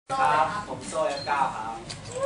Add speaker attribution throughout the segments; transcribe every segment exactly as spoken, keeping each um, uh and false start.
Speaker 1: ครับผมโซ่เอฟเก้าครับ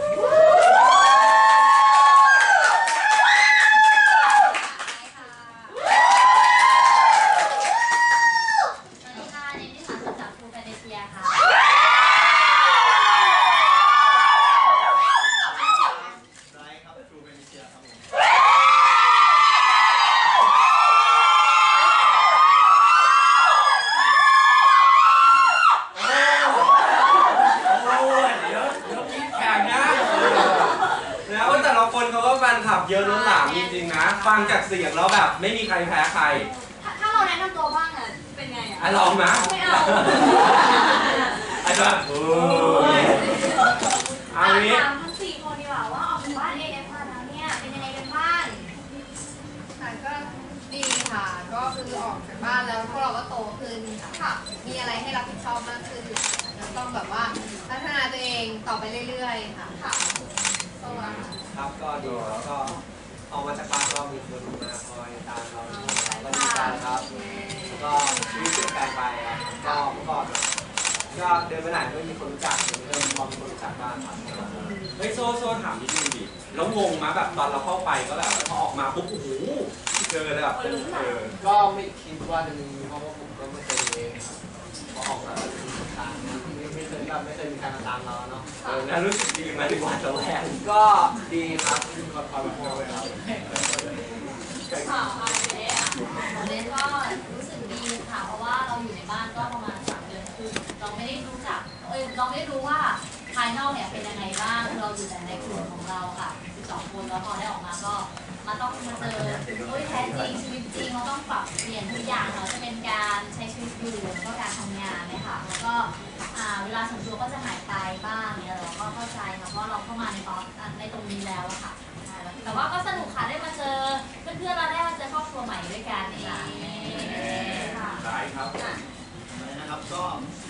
Speaker 1: เยอะล้นหลามจริงๆนะฟังจากเสียงแล้วแบบไม่มีใครแพ้ใคร
Speaker 2: ถ้าเราแนะนำตัวบ้างอ่ะเป็นไงอ่ะ
Speaker 1: ลองนะ
Speaker 2: ไม่เอา
Speaker 1: ไอ้แบบโอ้ยเอางี้
Speaker 2: ถามทั้งสี่คนดีกว่าว่าออกจากบ้าน เอ เอฟ มาแล้วเนี่ยเป็นยังไงกันบ้าง
Speaker 3: ค่ะก็ดีค่ะก็คือออกจากบ้านแล้วพวกเราก็โตขึ้นค่ะมีอะไรให้รับผิดชอบมากขึ้นแล้วต้องแบบว่าพัฒนาตัวเองต่อไปเรื่อยๆค่ะค่ะ
Speaker 1: ครับก็ดีแล้วก็ออกมาจากบ้านก็มีคนมาคอยตามเราก็ดีใจครับก็ชีวิตเปลี่ยนแปลงไปก็เมื่อก่อนก็เดินไปไหนไม่มีคนรู้จักเดินพอมีคนรู้จักบ้างครับเฮ้ยโซ่โซ่ถามนิดนึงดิแล้วงงมาแบบตอนเราเข้าไปก็แบบพอออกมาปุ๊บโอ้โหเจอเลยแบบเออ
Speaker 4: ก็ไม่คิดว่าจะมีเพราะว่าผมก็ไม่เคยเองครับพอออกมาแล้วจะมีคนตามไม่ไม่เคยแบบไม่เคยมีใครมาตามเราเนาะ
Speaker 1: เออแล้วรู้สึกดีไหมดีกว่าจะแวง
Speaker 4: ก็ดีครับมีความความพอเลยครับ
Speaker 2: ค่ะเจ๊อ่ะเจ๊ก็รู้สึกดีค่ะเพราะว่าเราอยู่ในบ้านก็ประมาณสามเดือนครึ่งเราไม่ได้รู้จักเออเราไม่ได้รู้ว่าภายนอกเนี่ยเป็นยังไงบ้างเราอยู่แต่ในกลุ่มของเราค่ะสิบสองคนแล้วพอได้ออกมาก็มันต้องมาเจอโอ้ยแท้จริงชีวิตจริงเราต้องปรับเปลี่ยนทุกอย่างเนาะจะเป็นการใช้ชีวิตอยู่แล้วก็การทำงานเนี่ยค่ะแล้วก็เวลาส่วนตัวก็จะหายไปบ้างเนี่ยเราก็เข้าใจนะเพราะเราเข้ามาในตอนในตรงนี้แล้วอะค่ะแต่ว่าก็สนุกค่ะได้มาเจอเพื่อนๆเราได้มาเจอครอบครัวใหม่ด้วยกันเอง
Speaker 1: ค่ะได้ครับ
Speaker 4: นะครับก็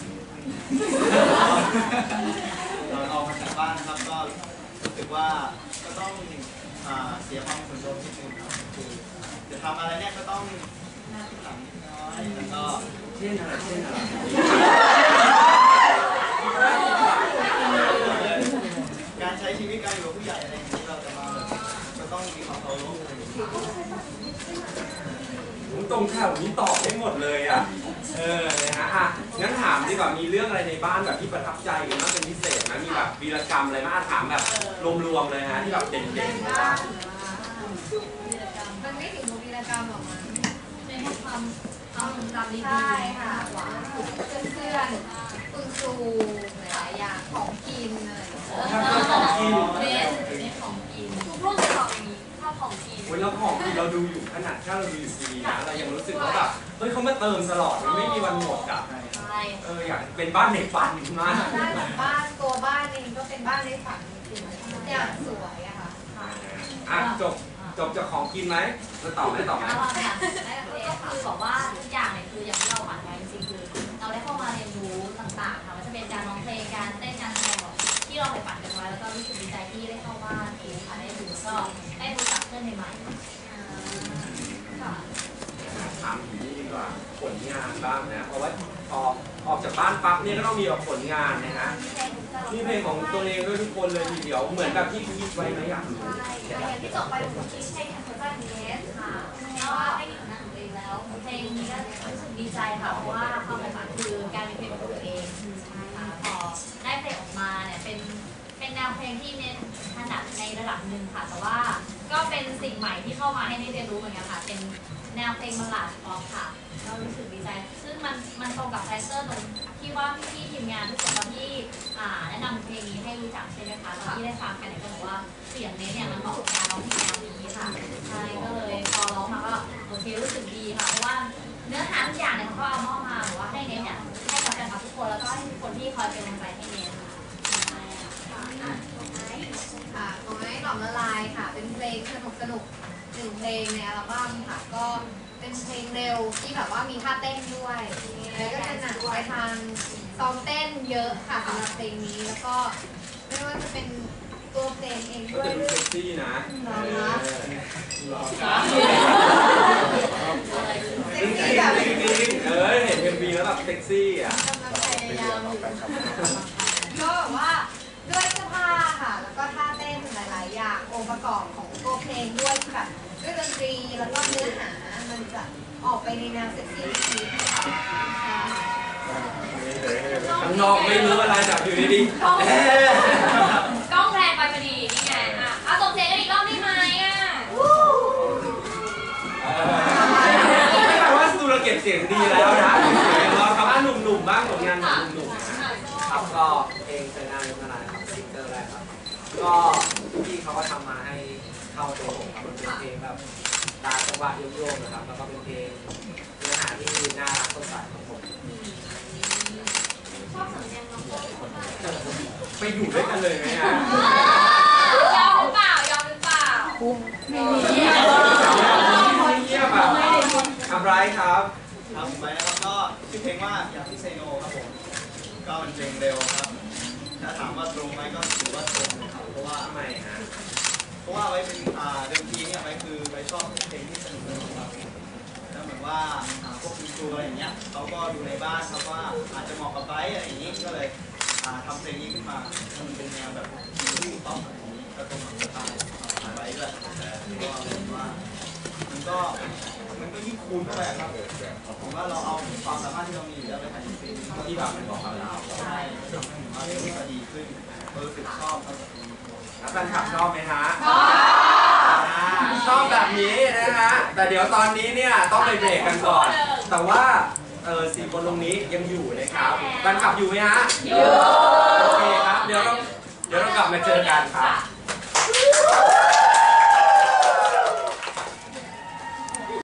Speaker 4: เราออกมาจากบ้านนะครับก็รู้สึกว่าก็ต้องเสียความสนใจนิดนึงครับคือจะทำอะไรเนี่ยก็ต้องหน้าที่หลังนิดน้อยแล้วก็
Speaker 1: เช่นอะไรเช่นอะไร
Speaker 4: การใช้ชีวิตการอยู่กับผู้ใหญ่อะไรอย่างนี้เราจะมาจะต้องมีความเคารพ
Speaker 1: ตรงแถวนี้ตอบได้หมดเลยอ่ะเออนะฮะอ่ะงั้นถามดีกว่ามีเรื่องอะไรในบ้านแบบที่ประทับใจกันบ้างเป็นพิเศษนะมีแบบวีรกรรมอะไรบ้างถามแบบรวมๆเลยฮะที่แบบเด่นๆนะ
Speaker 3: มันไม่ถึงวีรกรรมหรอกมัน
Speaker 2: เป็นความความจำดีๆ
Speaker 3: ใช่ค่ะเพื่อนๆคุณครูหลายอย่างของกินอะไร
Speaker 1: ของกิน
Speaker 2: เน้นเน้นของกินทุกรุ่นจะบอกอย่างนี้ชอบของกิน
Speaker 1: วันแล้วของกินเราดูอยู่ขนาดแค่เราดูอยู่ทีวีนะเรายังรู้สึกว่าแบบเฮ้ยเขามาเติมตลอดมันไม่มีวันหมดอ่ะเอออยากเป็นบ้านในฝันมาก
Speaker 3: ได้เหมือนบ้านตัวบ้านเองก็เป็นบ้านในฝันจริงๆอย่างสวยอะค่ะ
Speaker 1: อ่ะจบจบจากของกินไหมจะตอบไหมตอบไหม
Speaker 2: ก็คือบอกว่าทุกอย่างเนี่ยคืออย่างที่เราหวังไว้จริงๆคือเราได้เข้ามาเรียนรู้ต่างๆค่ะว่าจะเป็นการร้องเพลงการเต้นการแสดงที่เราไปฝันกันไว้แล้วก็รู้สึกดีใจที่ได้เข้าบ้านเองค่ะได้ดูก็ได้รู้จักเพื่อนใหม่ๆค่ะ
Speaker 1: ถามถึงนี่ดีกว่าผลงานบ้างนะเพราะว่าออกออกจากบ้านปั๊บเนี่ยก็ต้องมีผลงานนะฮะนี่เพลงของตัวเองด้วยทุกคนเลยทีเดียวเหมือนแบบที่คิดไว้ไหมอยากรู้
Speaker 2: ใช่อย่างที่จบไปผมคิดเพลงของคุณป้าเนสค่ะก็ได้มีผลงานของตัวเองแล้วเพลงนี้ก็รู้สึกดีใจค่ะเพราะว่าความฝันคือการมีเพลงของตัวเองค่ะพอได้เพลงออกมาเนี่ยเป็นเป็นแนวเพลงที่เน้นถนัดในระดับหนึ่งค่ะแต่ว่าก็เป็นสิ่งใหม่ที่เข้ามาให้ได้เรียนรู้เหมือนกันค่ะเป็นแนวเพลงบัลลาดป๊อปค่ะเรารู้สึกดีใจซึ่งมันมันตรงกับคาแรคเตอร์ตรงที่ว่าพี่ๆทีมงานทุกคนตอนที่แนะนำเพลงนี้ให้รู้จักใช่ไหมคะตอนที่ได้ฟังกันเนี่ยก็บอกว่าเสียงนี้เนี่ยมันเหมาะกับการร้องเพลงแนวนี้ค่ะใช่ก็เลยพอร้องมาก็โอเครู้สึกดีค่ะเพราะว่าเนื้อหาทุกอย่างเนี่ยเขาเอามอบมาหรือว่าให้เน้นเนี่ยให้กับแฟนคลับทุกคนแล้วก็ให้ทุกคนที่คอยเป็นกำลังใจให้เน้น
Speaker 3: ค่ะของไอ้หลอมละลายค่ะเป็นเพลงสนุกสนุกหนึ่งเพลงในอัลบั้มค่ะก็เป็นเพลงเร็วที่แบบว่ามีท่าเต้นด้วยแล้วก็จะหนักไปทางซ้อมเต้นเยอะค่ะสำหรับเพลงนี้แล้วก็ไม่ว่าจะเป็นตัวเพลงเองด้วย
Speaker 1: ก็จะดูเซ็กซี่นะ
Speaker 3: เซ็กซี่แบบ
Speaker 1: เออเห็นเอ็มวีแล้วแบบเซ็กซี่อ่ะ
Speaker 3: ก็ในแนวเซ็กซี่ชีคค่ะ
Speaker 1: ข้างนอกไม่รู้อะไรแต่อยู่ดีๆ
Speaker 2: กล้อง
Speaker 1: เอ๊ะ
Speaker 2: กล้องแพนไปพอดีนี่ไงอ่ะเอาส่งเสียงกันอีกรอบได้ไหมอ่ะ
Speaker 1: ไม่แปลว่าสุรเก็บเสียงดีแล้วนะเราทำให้หนุ่มๆบ้างผลงานของหนุ่มๆนะครับก็เพลงเจอหน้าเล่นเมื่อไหร่ครับซิงเกิลแรกครับก็พี่เขาก็ทำมาให้เข้าตัวผมครับมันเป็นเพลงแบบตามจังหวะโยกๆนะครับแล้วก็เป็นเพลงเนื้อหาที่น่ารักสดใสของผม
Speaker 2: ชอบสำเนียงน้องโก้คนไหน
Speaker 1: ไปอยู่ด้วยกันเลยไหมฮะ
Speaker 2: ยอมหรือเปล่ายอมหรือเปล่าไม่มี
Speaker 1: เงียบอ่ะทำไรครับ
Speaker 4: ครับผมไปนะครับก็ชื่อเพลงว่าอยากที่เซโนครับผมก็เป็นเพลงเร็วครับถ้าถามว่าตรงไหมก็ถือว่าตรงเลยครับเพราะว่า
Speaker 1: ทำไมฮะ
Speaker 4: เพราะว่าไว้เป็นอ่าเดิมทีเนี่ยไว้คือไว้ชอบเพลงที่สนุกสนุกครับแล้วเหมือนว่าอ่าพวกคุณครูอะไรอย่างเงี้ยเขาก็ดูในบ้านเขาว่าอาจจะเหมาะกับไบร์ทอะไรอย่างงี้ก็เลยอ่าทำเพลงนี้ขึ้นมาให้มันเป็นแนวแบบที่ถูกต้องอะไรอย่างนี้ก็ตรงกับสไตล์ของไบร์ทด้วยเพราะว่าผมว่ามันก็มันก็ยิ่งคูณเข้าไปครับผมว่าเราเอาความสามารถที่เรามีอยู่แล้วไปถ่ายเพลง
Speaker 1: ที่แบบมันบอกกับเรา
Speaker 4: ใช่ทำให้ผมว่าเพลงก็ดีขึ้นรู้สึกชอบครับ
Speaker 1: แล้วแฟนคลับชอบไหมฮะ
Speaker 2: ชอบ
Speaker 1: อ่าชอบแบบนี้นะฮะ แต่เดี๋ยวตอนนี้เนี่ยต้องไปเบรกกันก่อน แต่ว่าเออสี่คนตรงนี้ยังอยู่นะครับแฟนคลับอยู่ไหมฮะ
Speaker 2: อยู่
Speaker 1: โอเคครับ เดี๋ยวเราเดี๋ยวเรากลับมาเจอกันครับ
Speaker 2: ค่ะ